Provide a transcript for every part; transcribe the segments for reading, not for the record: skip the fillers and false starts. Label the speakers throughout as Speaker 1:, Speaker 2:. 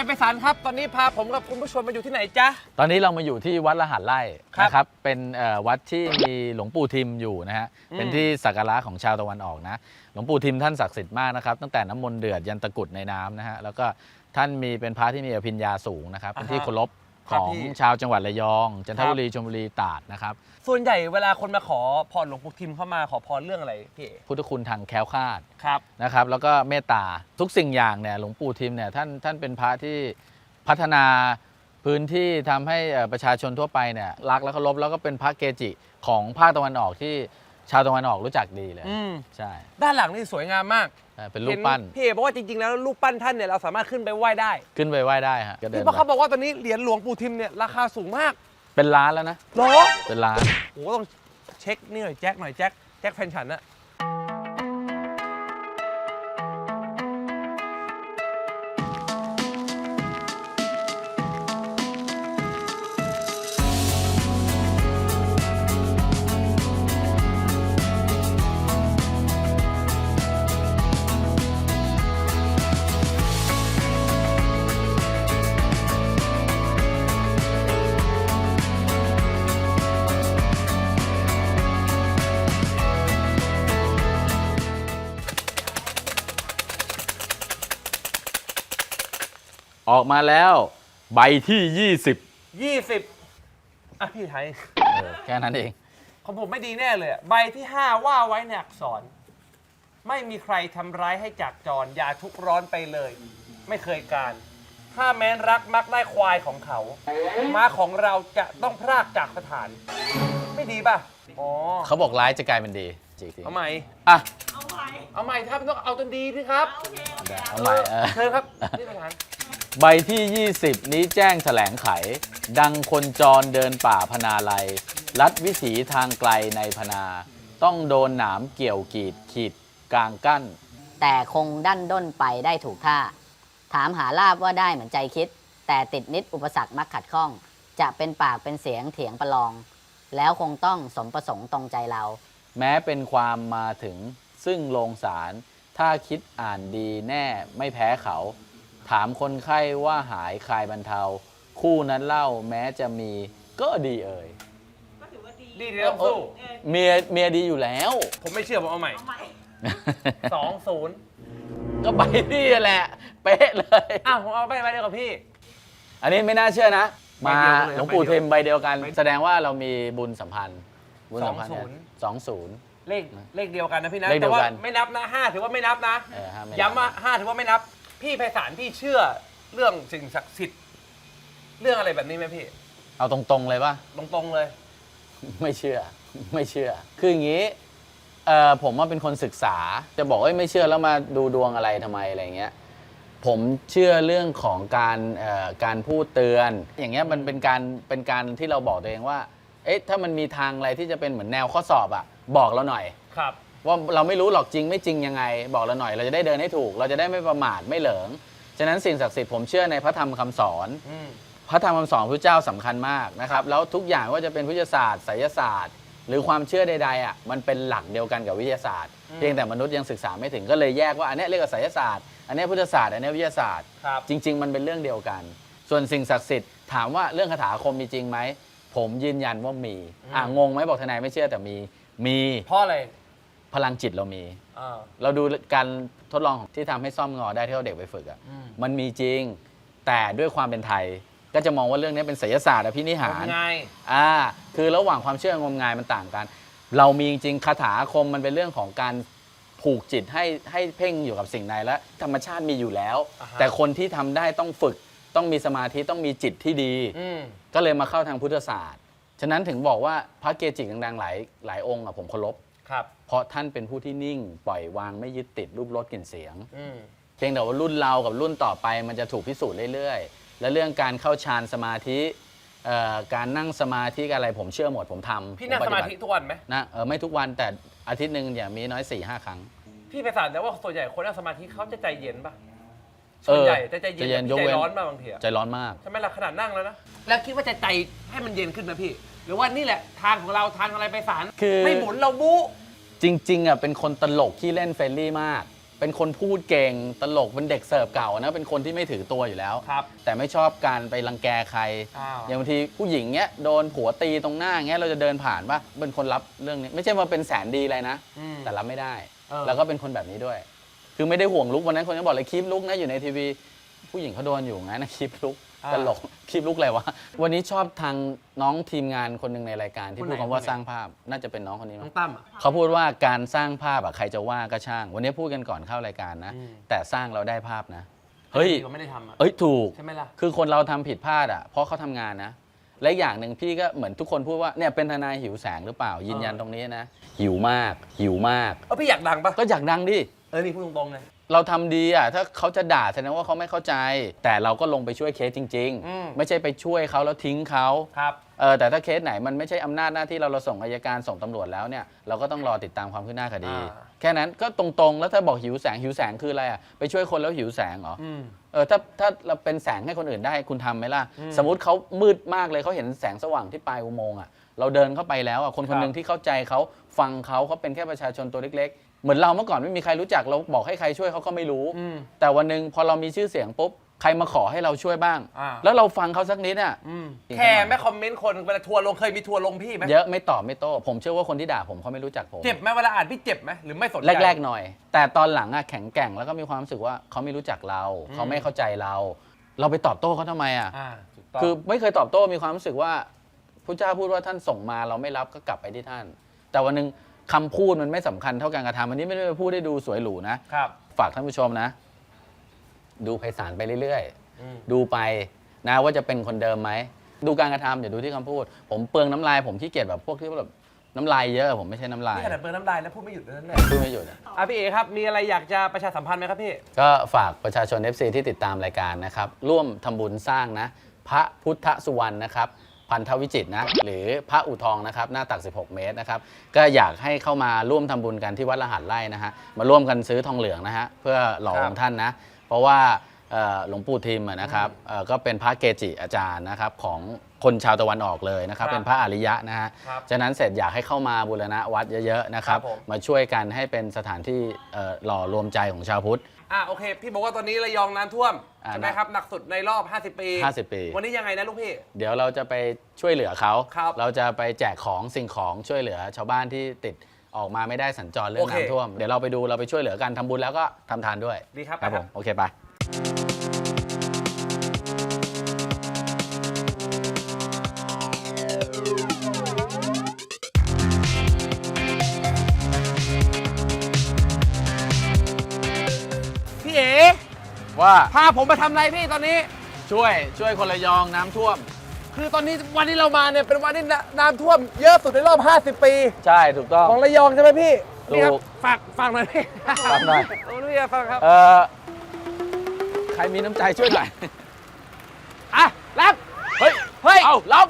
Speaker 1: ไพศาลครับตอนนี้พาผมกับคุณผู้ชมมาอยู่ที่ไหนจ๊ะ
Speaker 2: ตอนนี้เรามาอยู่ที่วัดละหันไร่นะครับเป็นวัดที่มีหลวงปู่ทิมอยู่นะฮะเป็นที่สักการะของชาวตะวันออกนะหลวงปู่ทิมท่านศักดิ์สิทธิ์มากนะครับตั้งแต่น้ำมนต์เดือดยันตะกุดในน้ำนะฮะแล้วก็ท่านมีเป็นพระที่มีอภิญญาสูงนะครับเป็นที่เคารพของชาวจังหวัดระยองจันทบุรีชลบุรีตราดนะครับ
Speaker 1: ส่วนใหญ่เวลาคนมาขอพรหลวงปู่ทิมเข้ามาขอพรเรื่องอะไรพี่
Speaker 2: พุทธคุณทางแคล้วคลาด
Speaker 1: ครับ
Speaker 2: นะครับแล้วก็เมตตาทุกสิ่งอย่างเนี่ยหลวงปู่ทิมเนี่ยท่านเป็นพระที่พัฒนาพื้นที่ทำให้ประชาชนทั่วไปเนี่ยรักและเคารพแล้วก็เป็นพระเกจิของภาคตะวันออกที่ชาวตะวันออกรู้จักดีเลยใช่
Speaker 1: ด้านหลังนี่สวยงามมาก
Speaker 2: เป็นรูปปั้น
Speaker 1: พี่เอบอกว่าจริงๆแล้วรูปปั้นท่านเนี่ยเราสามารถขึ้นไปไหว้ได้
Speaker 2: ขึ้นไปไหว้ได้ฮะ
Speaker 1: พี่เพราะเขาบอกว่าตอนนี้เหรียญหลวงปู่ทิมเนี่ยราคาสูงมาก
Speaker 2: เป็นล้านแล้วนะ
Speaker 1: หรอ
Speaker 2: เป็นล้าน
Speaker 1: โอ้ต้องเช็คนี่หน่อยแจ็คแฟนฉันนะ
Speaker 2: ออกมาแล้วใบที่20
Speaker 1: อ่ะพี่ไทย
Speaker 2: แค่นั้นเอง
Speaker 1: ของผมไม่ดีแน่เลยใบที่5ว่าไว้ในอักษรไม่มีใครทำร้ายให้จากจรอย่าทุกข์ร้อนไปเลยไม่เคยการถ้าแม้นรักมักได้ควายของเขาม้าของเราจะต้องพรากจากสถานไม่ดีป่ะอ๋อ
Speaker 2: เขาบอกร้ายจะกลายเป็นดีจริง
Speaker 1: เอาใหม่
Speaker 2: อ่ะ
Speaker 1: เอาใหม่ครับต้องเอาจนดีสิครับ
Speaker 2: เอาใหม่
Speaker 1: เชิญครับนี่ประธาน
Speaker 2: ใบที่20นี้แจ้งแถลงไขดังคนจรเดินป่าพนาลัยลัดวิถีทางไกลในพนาต้องโดนหนามเกี่ยวกีดขีดกลางกั้น
Speaker 3: แต่คงดั้นด้นไปได้ถูกท่าถามหาลาบว่าได้เหมือนใจคิดแต่ติดนิดอุปสรรคมักขัดข้องจะเป็นปากเป็นเสียงเถียงประลองแล้วคงต้องสมประสงค์ตรงใจเรา
Speaker 2: แม้เป็นความมาถึงซึ่งโรงศาลถ้าคิดอ่านดีแน่ไม่แพ้เขาถามคนไข้ว่าหายคลายบรรเทาคู่นั้นเล่าแม้จะมีก็ดีเอ่ย
Speaker 1: ก็ถือว่าดีต้องสู้
Speaker 2: เมียดีอยู่แล้ว
Speaker 1: ผมไม่เชื่อผมเอาใหม่20
Speaker 2: ก็ใบนี่แหละเป๊ะเลย
Speaker 1: ผมเอาใบเดียวกับพี่
Speaker 2: อันนี้ไม่น่าเชื่อนะมาหลวงปู่เทมใบเดียวกันแสดงว่าเรามีบุญสัมพันธ์20
Speaker 1: เลขเดียวกันนะพี่นะแต่ว่าไม่นับนะ5ถือว่าไม่นับนะย้ำว่า5ถือว่าไม่นับพี่ไพศาลพี่เชื่อเรื่องสิ่งศักดิ์สิทธิ์เรื่องอะไรแบบนี้ไหมพี่
Speaker 2: เอาตรงๆเลยป่ะ
Speaker 1: ตรงๆเลย
Speaker 2: ไม่เชื่อคืออย่างนี้ผมว่าเป็นคนศึกษาจะบอกว่าไม่เชื่อแล้วมาดูดวงอะไรทำไมอะไรเงี้ยผมเชื่อเรื่องของการพูดเตือนอย่างเงี้ยมันเป็นการที่เราบอกตัวเองว่าเอ๊ะถ้ามันมีทางอะไรที่จะเป็นเหมือนแนวข้อสอบอ่ะบอกเราหน่อย
Speaker 1: ครับ
Speaker 2: ว่าเราไม่รู้หรอกจริงไม่จริงยังไงบอกเราหน่อยเราจะได้เดินให้ถูกเราจะได้ไม่ประมาทไม่เหลิงฉะนั้นสิ่งศักดิ์สิทธิ์ผมเชื่อในพระธรรมคำสอนพระธรรมคำสอนพระเจ้าสำคัญมากนะครับแล้วทุกอย่างว่าจะเป็นวิทยาศาสตร์ไสยศาสตร์หรือความเชื่อใดๆอ่ะมันเป็นหลักเดียวกันกับวิทยาศาสตร์เพียงแต่มนุษย์ยังศึกษาไม่ถึงก็เลยแยกว่าอันนี้เรียกว่าไสยศาสตร์อันนี้พุทธศาสตร์อันนี้วิทยาศาสตร์จริงๆมันเป็นเรื่องเดียวกันส่วนสิ่งศักดิ์สิทธิ์ถามว่าเรื่องคาถาอาคมมีจริงไหมผมยืนยันว่ามีงงไหมบอกทนายไม่เชื่อแต่มี
Speaker 1: เพราะอะไร
Speaker 2: พลังจิตเรามีเราดูการทดลองที่ทำให้ซ่อมงอได้ที่เราเด็กไปฝึกอ่ะมันมีจริงแต่ด้วยความเป็นไทยก็จะมองว่าเรื่องนี้เป็นไสยศาสตร์อภินิหารง
Speaker 1: าย
Speaker 2: คือระหว่างความเชื่องมงายมันต่างกันเรามีจริงคาถาอาคมมันเป็นเรื่องของการผูกจิตให้เพ่งอยู่กับสิ่งใดและธรรมชาติมีอยู่แล้วแต่คนที่ทำได้ต้องฝึกต้องมีสมาธิต้องมีจิตที่ดีก็เลยมาเข้าทางพุทธศาสตร์ฉะนั้นถึงบอกว่าพระเกจิดังๆหลายองค์ผมเคารพเพราะท่านเป็นผู้ที่นิ่งปล่อยวางไม่ยึดติดรูปรสกลิ่นเสียงเพียงแต่ว่ารุ่นเรากับรุ่นต่อไปมันจะถูกพิสูจน์เรื่อยๆและเรื่องการเข้าฌานสมาธิการนั่งสมาธิอะไรผมเชื่อหมดผมทำ
Speaker 1: พี่นั่งสมาธิทุกวันไหม
Speaker 2: นะไม่ทุกวันแต่อาทิตย์หนึ่งอย่างมีน้อย 4-5 ครั้ง
Speaker 1: พี่ไพศาลแต่ว่าส่วนใหญ่คนนั่งสมาธิเขาจะใจเย็นป่ะส่วนใหญ่จะใจเย็นใจร้อนมากบางที
Speaker 2: ใจร้อนมาก
Speaker 1: ใช่ไหมล่ะขนาดนั่งแล้วนะแล้วคิดว่าจะใจให้มันเย็นขึ้นไหมพี่หรือว่านี่แหละทางของเราทางอะไรไพศาลไม่หมุนเราบู๊
Speaker 2: จริงๆเป็นคนตลกขี้เล่นเฟรนลี่มากเป็นคนพูดเก่งตลกเป็นเด็กเสิร์ฟเก่านะเป็นคนที่ไม่ถือตัวอยู่แล้ว
Speaker 1: ครับ
Speaker 2: แต่ไม่ชอบการไปรังแกใคร
Speaker 1: อ้าว
Speaker 2: อย่างบางทีผู้หญิงเงี้ยโดนผัวตีตรงหน้าเงี้ยเราจะเดินผ่านป่ะเป็นคนรับเรื่องนี้ไม่ใช่ว่าเป็นแสนดีอะไรนะ
Speaker 1: อืม
Speaker 2: แต่รับไม่ได้
Speaker 1: เออ
Speaker 2: แล้วก็เป็นคนแบบนี้ด้วย คือไม่ได้ห่วงลุกวันนั้นคนก็บอกเลยคลิปลุกนะอยู่ในทีวีผู้หญิงเขาโดนอยู่งั้นนะคลิปลุกตลกคลิปลุกอะไรวะวันนี้ชอบทางน้องทีมงานคนหนึ่งในรายการที่พูดคำว่าสร้างภาพน่าจะเป็นน้องคนนี้
Speaker 1: น้
Speaker 2: มั้
Speaker 1: อง งตั้มอะ
Speaker 2: เขาพูดว่าการสร้างภาพอะใครจะว่าก็ช่าง วันนี้พูดกันก่อนเข้ารายการนะ
Speaker 1: อืม
Speaker 2: แต่สร้างเราได้ภาพนะเฮ้ย
Speaker 1: ดีกว่าไม่ได้ทำอะ
Speaker 2: เอ้ยถูก
Speaker 1: ใช่ไหมล่ะ
Speaker 2: คือคนเราทำผิดพลาดอ่ะเพราะเขาทำงานนะ และอย่างหนึ่งพี่ก็เหมือนทุกคนพูดว่าเนี่ยเป็นทนายหิวแสงหรือเปล่า ยืนยันตรงนี้นะ หิวมากหิวมาก
Speaker 1: พี่อยากดังปะ
Speaker 2: ก็อยากดังดิ
Speaker 1: นี่พูดตรงๆเลย
Speaker 2: เราทำดีอ่ะถ้าเขาจะด่าแสดงว่าเขาไม่เข้าใจ แต่เราก็ลงไปช่วยเคสจริง
Speaker 1: อืม
Speaker 2: ๆ ไม่ใช่ไปช่วยเขาแล้วทิ้งเขา
Speaker 1: ครับ
Speaker 2: แต่ถ้าเคสไหนมันไม่ใช่อำนาจหน้าที่เราส่งอัยการส่งตำรวจแล้วเนี่ยเราก็ต้องรอติดตามความคืบหน้าคดี แค่นั้นก็ตรงๆ แล้วถ้าบอกหิวแสงคืออะไรอ่ะไปช่วยคนแล้วหิวแสงเหรอ
Speaker 1: อืม
Speaker 2: ถ้าเราเป็นแสงให้คนอื่นได้คุณทำไหมล่ะ สมมติเขามืดมากเลยเขาเห็นแสงสว่างที่ปลายอุโมงค์อ่ะเราเดินเข้าไปแล้วอ่ะคนคนหนึ่งที่เข้าใจเขาฟังเขาเป็นแค่ประชาชนตัวเล็กๆ เหมือนเราเมื่อก่อนไม่มีใครรู้จักเราบอกให้ใครช่วยเขาก็ไม่รู้
Speaker 1: อืม
Speaker 2: แต่วันหนึ่งพอเรามีชื่อเสียงปุ๊บใครมาขอให้เราช่วยบ้าง
Speaker 1: อ่า
Speaker 2: แล้วเราฟังเขาสักนิดอ่ะ
Speaker 1: แค่ไม่คอมเมนต์คนเวลาทัวร์ลงเคยมีทัวร์ลงพี่ไหม
Speaker 2: เยอะไม่ตอบไม่โต้ผมเชื่อว่าคนที่ด่าผมเขาไม่รู้จักผม
Speaker 1: เจ็บไหมเวลาอ่านพี่เจ็บไหมหรือไม่สนใจ
Speaker 2: แรกๆหน่อย แต่ตอนหลังอะแข็งแกร่งแล้วก็มีความรู้สึกว่าเขาไม่รู้จักเรา เขาไม่เข้าใจเรา เราไปตอบโต้เขาทำไมอะ
Speaker 1: ถูกต้อง
Speaker 2: คือไม่เคยตอบโต้มีความรู้สึกว่าพระเจ้าพูดว่าท่านส่งมาเราไม่รับก็กลับไปที่ท่าน แต่วันหนึงคำพูดมันไม่สำคัญเท่าการกระทำอันนี้ไม่ได้ไปพูดให้ดูสวยหรูนะครับ ฝากท่านผู้ชมนะ ดูไพศาลไปเรื่อยๆดูไปนะว่าจะเป็นคนเดิมไหมดูการกระทำอย่าดูที่คำพูด ผมเปลืองน้ำลายผมขี้เกียจแบบพวกที่แบบน้ำลายเยอะผมไม่ใช่น้ำลาย
Speaker 1: นี่ขนาดเปิดน้ำลายแล้วพูดไม่หยุดเลยนั่นแหละ
Speaker 2: พูดไม่หยุดอะ
Speaker 1: พี่เอครับมีอะไรอยากจะประชาสัมพันธ์ไหมครับพี่
Speaker 2: ก็ฝากประชาชน FC ที่ติดตามรายการนะครับ ร่วมทำบุญสร้างนะพระพุทธสุวรรณนะครับพันธวิจิตรนะหรือพระอุทองนะครับหน้าตัก 16 เมตรนะครับก็อยากให้เข้ามาร่วมทำบุญกันที่วัดรหัสไร่นะฮะมาร่วมกันซื้อทองเหลืองนะฮะเพื่อหล่อองค์ท่านนะเพราะว่าหลวงปู่ทิมอะนะครับก็เป็นพระเกจิอาจารย์นะครับของคนชาวตะวันออกเลยนะครับเป็นพระอริยะนะฮะฉะนั้นเสร็จอยากให้เข้ามาบูรณะวัดเยอะๆนะครับมาช่วยกันให้เป็นสถานที่หล่อรวมใจของชาวพุทธ
Speaker 1: โอเคพี่บอกว่าตอนนี้ระยองน้ำท่วมใช่ไหมครับหนักสุดในรอบ 50 ปี
Speaker 2: 50 ปี
Speaker 1: วันนี้ยังไงนะลูกพี่
Speaker 2: เดี๋ยวเราจะไปช่วยเหลือเขา
Speaker 1: ครับ
Speaker 2: เราจะไปแจกของสิ่งของช่วยเหลือชาวบ้านที่ติดออกมาไม่ได้สัญจรเรื่อ
Speaker 1: โอง เค
Speaker 2: น้ำท่วม เดี๋ยวเราไปดูเราไปช่วยเหลือกันทำบุญแล้วก็ทำทานด้วย
Speaker 1: ดีครับ
Speaker 2: ครับ
Speaker 1: ไปค
Speaker 2: ผ
Speaker 1: รับ
Speaker 2: มโอเคไป
Speaker 1: พี่เอ๋
Speaker 2: ว่า
Speaker 1: พาผมมาทำอะไรพี่ตอนนี้
Speaker 2: ช่วยคนระยองน้ำท่วม
Speaker 1: คือตอนนี้วันที่เรามาเนี่ยเป็นวันที่น้ำท่วมเยอะสุดในรอบ 50 ปี
Speaker 2: ใช่ถูกต้อง
Speaker 1: ของระยองใช่ไหมพี่ นี่ครับ
Speaker 2: ถูก
Speaker 1: ฝากหน่อยพี่
Speaker 2: ฝากหน่อย
Speaker 1: พี่ฟังครับ
Speaker 2: ใครมีน้ำใจช่วยหน่อย
Speaker 1: รับ
Speaker 2: เฮ้ย
Speaker 1: เฮ้ย
Speaker 2: เอารับ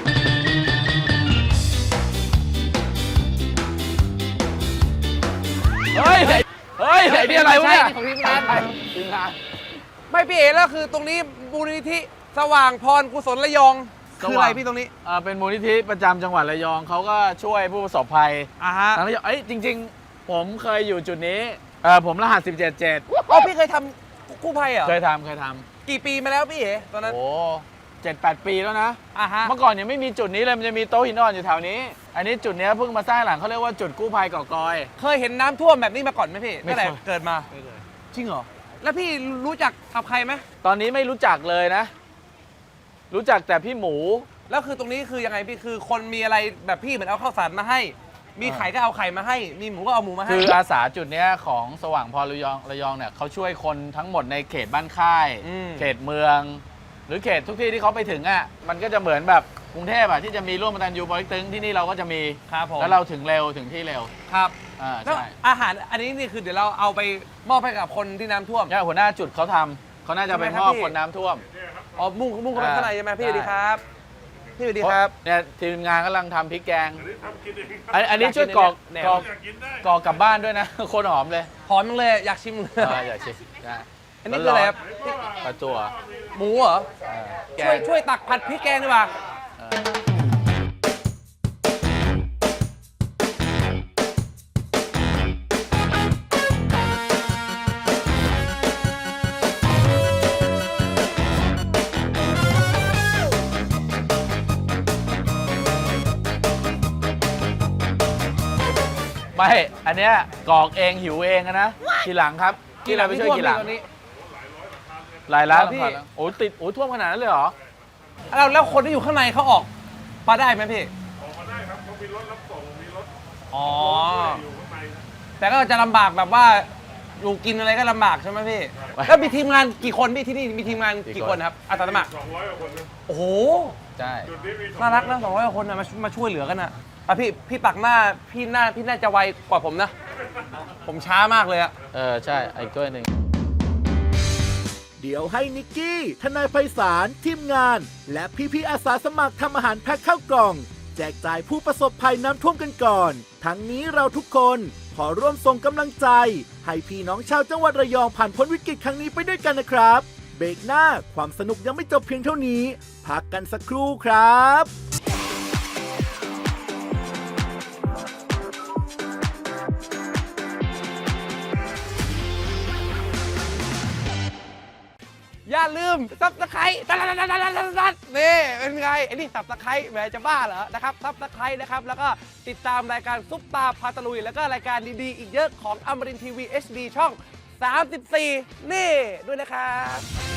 Speaker 2: เฮ้ยเฮ้ยไอ้นี่อะไรวะเนี่ย
Speaker 1: ของทีมงาน
Speaker 2: ทีมงาน
Speaker 1: ไม่พี่เอ๋แล้วคือตรงนี้มูลนิธิสว่างพรกุศลระยองคืออะไรพี่ตรงนี้
Speaker 2: เป็นมูลนิธิประจำจังหวัดระยองเขาก็ช่วยผู้ประสบภัย
Speaker 1: ฮะ
Speaker 2: ทางระยองจริง ๆ ผมเคยอยู่จุดนี้ผมรหัส 177
Speaker 1: พี่เคยทำกู้ภัยเหรอ
Speaker 2: เคยทำ
Speaker 1: กี่ปีมาแล้วพี่เอ๋ตอนนั้น
Speaker 2: โอ้7-8 ปีแล้วนะ
Speaker 1: ฮะ
Speaker 2: เมื่อก่อนยังไม่มีจุดนี้เลยมันจะมีโต๊ะหินอ่อนอยู่แถวนี้ อันนี้จุดเนี้ยเพิ่งมาสร้างหลังเขาเรียกว่าจุดกู้ภัยเกาะกอย
Speaker 1: เคยเห็นน้ำท่วมแบบนี้มาก่อนไหมพี่
Speaker 2: ไม่
Speaker 1: ตั้งแต่
Speaker 2: เคย
Speaker 1: เกิดมา
Speaker 2: ไม่เคย
Speaker 1: จริงเหรอแล้วพี่รู้จักกับใครไหม
Speaker 2: ตอนนี้ไม่รู้จักเลยนะ รู้จักแต่พี่หมู
Speaker 1: แล้วคือตรงนี้คือยังไงพี่คือคนมีอะไรแบบพี่เหมือนเอาข้าวสารมาให้ มีไข่ก็เอาไข่มาให้ มีหมูก็เอาหมูมาให้
Speaker 2: คืออาสาจุดเนี้ยของสว่างพรระยองเนี่ยเขาช่วยคนทั้งหมดในเขตบ้านค่าย เขตเมือง หรือเขตทุกที่ที่เขาไปถึงอ่ะมันก็จะเหมือนแบบกรุงเทพอ่ะที่จะมีร่วมตันยูปอเต็กตึงที่นี่เราก็จะมี
Speaker 1: ครับผม
Speaker 2: แล้วเราถึงเร็วถึงที่เร็ว
Speaker 1: ครับ แล้ว
Speaker 2: ใช่
Speaker 1: อาหารอันนี้นี่คือเดี๋ยวเราเอาไปมอบให้กับคนที่น้ำท่วม
Speaker 2: เนี่ยหัวหน้าจุดเขาทำเขาน่าจะไป
Speaker 1: ทำไมครั
Speaker 2: ม
Speaker 1: บ
Speaker 2: อบ
Speaker 1: พี่
Speaker 2: คนน้ำท่วม
Speaker 1: อ๋อมุ่งเข้าไปข้างในใช่ไหมพี่สวัสดีครับพี่สวัสดีครับ
Speaker 2: เนี่ยทีมงานกำลังทำพริกแกงอันนี้ช่วยกรอก
Speaker 1: แนว
Speaker 2: กรอกกลับบ้านด้วยนะ โคนหอมเลย
Speaker 1: หอมจังเลยอยากชิมเลย
Speaker 2: อยากชิมได้
Speaker 1: อันนี้คืออะไรครับ
Speaker 2: ปลาจั่ว
Speaker 1: หมูเหรอ
Speaker 2: แกง
Speaker 1: ช่วยตักผัดพริกแกงดีกว่า
Speaker 2: อไม่ อันเนี้ยกรอกเองหิวเองอะนะ ทีหลังครับที่เราไปช่วยทีหลัง
Speaker 1: ตอนนี้
Speaker 2: หลายล้าน
Speaker 1: พี่
Speaker 2: หลังแล้วโอ้ติดโอ้ท่วมขนาดนั้นเลยเหรอ
Speaker 1: แล้วคนที่อยู่ข้างในเขาออกมาได้ไหมพี่ออกมาได้ครับเขามีรถรับส่งมีรถอ๋อแต่ก็จะลำบากแบบว่าอยู่กินอะไรก็ลำบากใช่ไหมพี่ แล้วมีทีมงานกี่คนพี่ที่นี่มีทีมงานกี่คนครับอาสาสมัคร200 กว่าคนโอ้โห
Speaker 2: ใช่
Speaker 1: น่ารักนะ200 กว่าคนนะมาช่วยเหลือกันนะพี่ตักหน้าพี่น่าจะไวกว่าผมนะ ผมช้ามากเลยอะ
Speaker 2: ใช่ไอ้กล้วยหนึ่ง
Speaker 4: เดี๋ยวให้นิกกี้ ทนายไพศาล ทีมงาน และพี่ๆอาสาสมัครทำอาหารแพ็คเข้ากล่อง แจกจ่ายผู้ประสบภัยน้ำท่วมกันก่อน ทั้งนี้เราทุกคนขอร่วมส่งกำลังใจ ให้พี่น้องชาวจังหวัดระยองผ่านพ้นวิกฤตครั้งนี้ไปด้วยกันนะครับ เบรกหน้าความสนุกยังไม่จบเพียงเท่านี้ พักกันสักครู่ครับ
Speaker 1: อย่าลืมซับสไครต์นี่เป็นไงไอ้นี่ซับสไครต์แหมจะบ้าเหรอนะครับซับสไครต์นะครับแล้วก็ติดตามรายการซุปตาพาตะลุยแล้วก็รายการดีๆอีกเยอะของอมรินทร์ทีวี HD ช่อง 34 นี่ด้วยนะครับ